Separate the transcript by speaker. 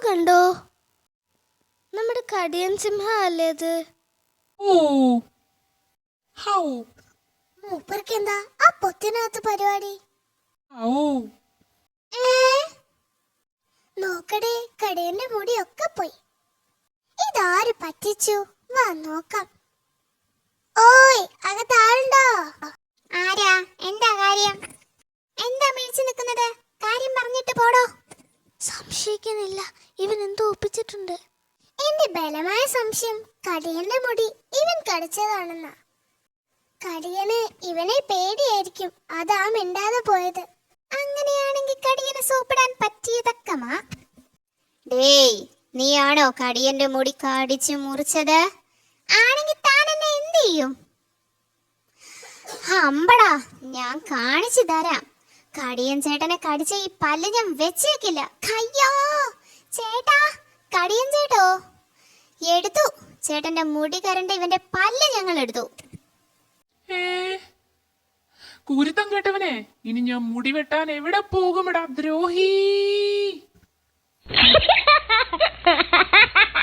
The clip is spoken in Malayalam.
Speaker 1: കണ്ടോ? നമ്മുടെ കടിയൻ സിംഹ അല്ലേ അത്?
Speaker 2: ഓ ഹൗ
Speaker 1: മൂപ്പർക്ക് എന്താ ആ പൊത്തിനകത്ത് പരിപാടി?
Speaker 2: ഓ
Speaker 1: നോക്കടേ, കടിയന്റെ മുടിയൊക്കെ പോയി. ഇതാര് പറ്റിച്ചു? വാ നോക്കാം. ഓയ്, അകത്താളുണ്ടോ? ആരാ? എന്താ കാര്യം? എന്താ മേടിച്ചു നിൽക്കുന്നത്? കാര്യം പറഞ്ഞിട്ട് പോടോ. സംശയിക്കുന്നില്ല, ഇവൻ എന്തോ ഒപ്പിച്ചിട്ടുണ്ട്. എന്റെ ബലമായ സംശയം കടിയന്റെ മുടി ഇവൻ കടിച്ചതാണെന്നാ. കടിയന് ഇവനെ പേടിയായിരിക്കും, അതാ മിണ്ടാതെ പോയത്. അങ്ങനെയാണെങ്കിൽ കടിയനെ സൂപ്പിടാൻ പറ്റിയതക്കമാ. ഡേയ്, നീയാണോ കടിയന്റെ മുടി കടിച്ചു മുറിച്ചത്? ആണെങ്കിൽ താൻ എന്നെ എന്ത് ചെയ്യും? അമ്പടാ, ഞാൻ കാണിച്ചു തരാം. കടിയൻ ചേട്ടനെ കടിച്ച ഈ പല്ല് ഞാൻ വെച്ചേക്കില്ല. കയ്യോ ചേട്ടാ, കടിയൻ ചേട്ടോ എടുത്തു. ചേട്ടന്റെ മുടി കരണ്ട ഇവന്റെ പല്ല് ഞങ്ങൾ എടുത്തു.
Speaker 2: കുരുത്തം കേട്ടവനെ, ഇനി ഞാൻ മുടി വെട്ടാൻ എവിടെ പോകുമെടാ ദ്രോഹി.